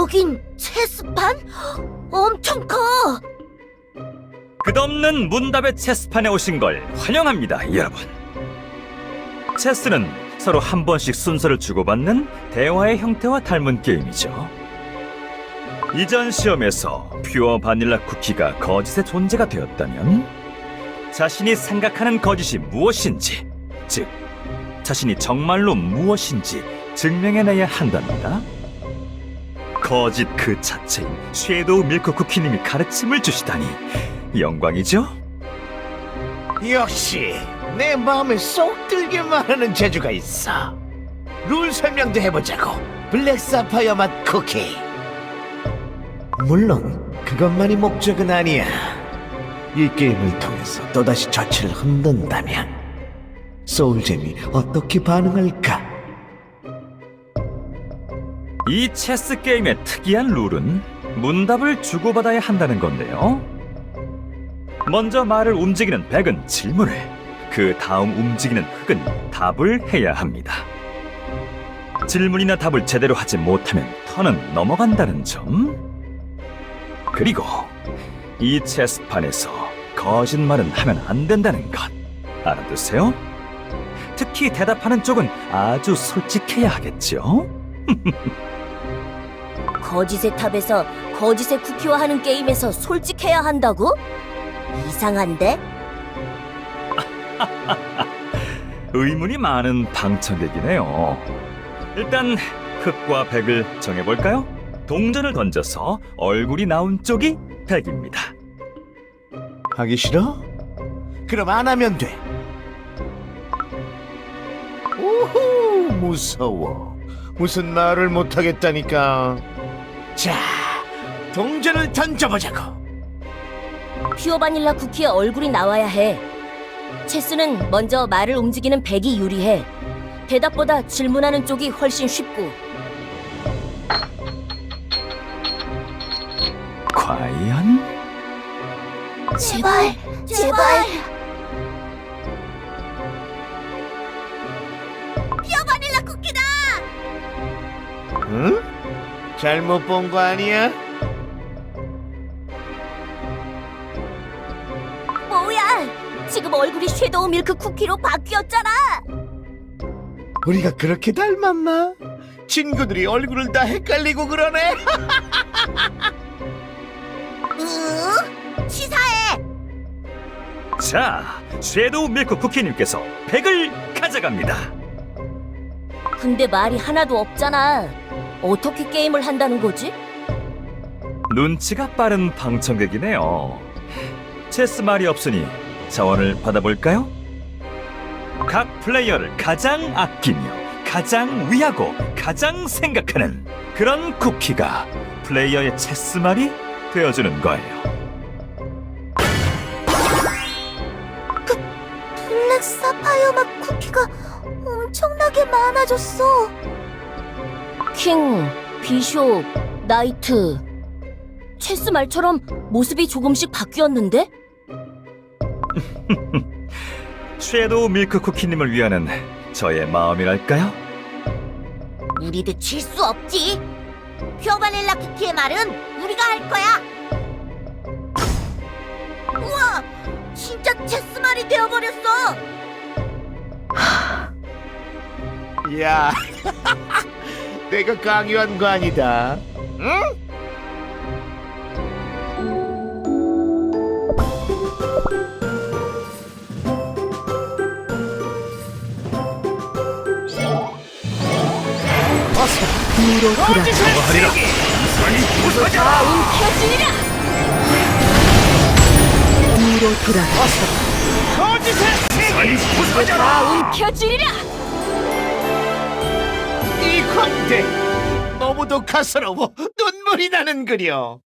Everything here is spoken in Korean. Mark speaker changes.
Speaker 1: 여긴 체스판? 엄청 커!
Speaker 2: 끝없는 문답의 체스판에 오신 걸 환영합니다, 여러분. 체스는 서로 한 번씩 순서를 주고받는 대화의 형태와 닮은 게임이죠. 이전 시험에서 퓨어 바닐라 쿠키가 거짓의 존재가 되었다면 자신이 생각하는 거짓이 무엇인지, 즉 자신이 정말로 무엇인지 증명해내야 한답니다. 거짓 그 자체인 섀도우 밀크 쿠키님이 가르침을 주시다니 영광이죠?
Speaker 3: 역시 내 마음에 쏙 들게 말하는 재주가 있어. 룰 설명도 해보자고. 블랙 사파이어 맛 쿠키. 물론 그것만이 목적은 아니야. 이 게임을 통해서 또다시 저치를 흔든다면 소울잼이 어떻게 반응할까?
Speaker 2: 이 체스 게임의 특이한 룰은 문답을 주고받아야 한다는 건데요. 먼저 말을 움직이는 백은 질문을, 그 다음 움직이는 흑은 답을 해야 합니다. 질문이나 답을 제대로 하지 못하면 턴은 넘어간다는 점. 그리고 이 체스판에서 거짓말은 하면 안 된다는 것 알아두세요. 특히 대답하는 쪽은 아주 솔직해야 하겠죠.
Speaker 1: 거짓의 탑에서 거짓의 쿠키와 하는 게임에서 솔직해야 한다고? 이상한데?
Speaker 2: 의문이 많은 방청객이네요. 일단 흑과 백을 정해볼까요? 동전을 던져서 얼굴이 나온 쪽이 백입니다.
Speaker 3: 하기 싫어? 그럼 안 하면 돼. 오호, 무서워. 무슨 말을 못하겠다니까. 자, 동전을 던져보자고.
Speaker 1: 퓨어 바닐라 쿠키의 얼굴이 나와야 해. 체스는 먼저 말을 움직이는 백이 유리해. 대답보다 질문하는 쪽이 훨씬 쉽고.
Speaker 2: 과연?
Speaker 1: 제발, 제발. 퓨어 바닐라 쿠키다!
Speaker 3: 응? 잘못 본 거 아니야?
Speaker 1: 뭐야? 지금 얼굴이 섀도우 밀크 쿠키로 바뀌었잖아.
Speaker 3: 우리가 그렇게 닮았나? 친구들이 얼굴을 다 헷갈리고 그러네.
Speaker 1: 치사해.
Speaker 2: 자, 섀도우 밀크 쿠키님께서 백을 가져갑니다.
Speaker 1: 근데 말이 하나도 없잖아. 어떻게 게임을 한다는 거지?
Speaker 2: 눈치가 빠른 방청객이네요. 체스 말이 없으니 자원을 받아볼까요? 각 플레이어를 가장 아끼며 가장 위하고 가장 생각하는 그런 쿠키가 플레이어의 체스 말이 되어주는 거예요.
Speaker 1: 블랙 사파이어 맛 쿠키가 엄청나게 많아졌어. 킹, 비숍, 나이트. 체스 말처럼 모습이 조금씩 바뀌었는데?
Speaker 2: 섀도우 밀크 쿠키님을 위하는 저의 마음이랄까요?
Speaker 1: 우리도 질 수 없지. 퓨어 바닐라 쿠키의 말은 우리가 할 거야. 우와, 진짜 체스 말이 되어버렸어.
Speaker 3: 야, 내가 강요한 거 아니다. 응?
Speaker 1: 움켜쥐리라.
Speaker 3: 이 광대 너무도 가스러워 눈물이 나는 그려.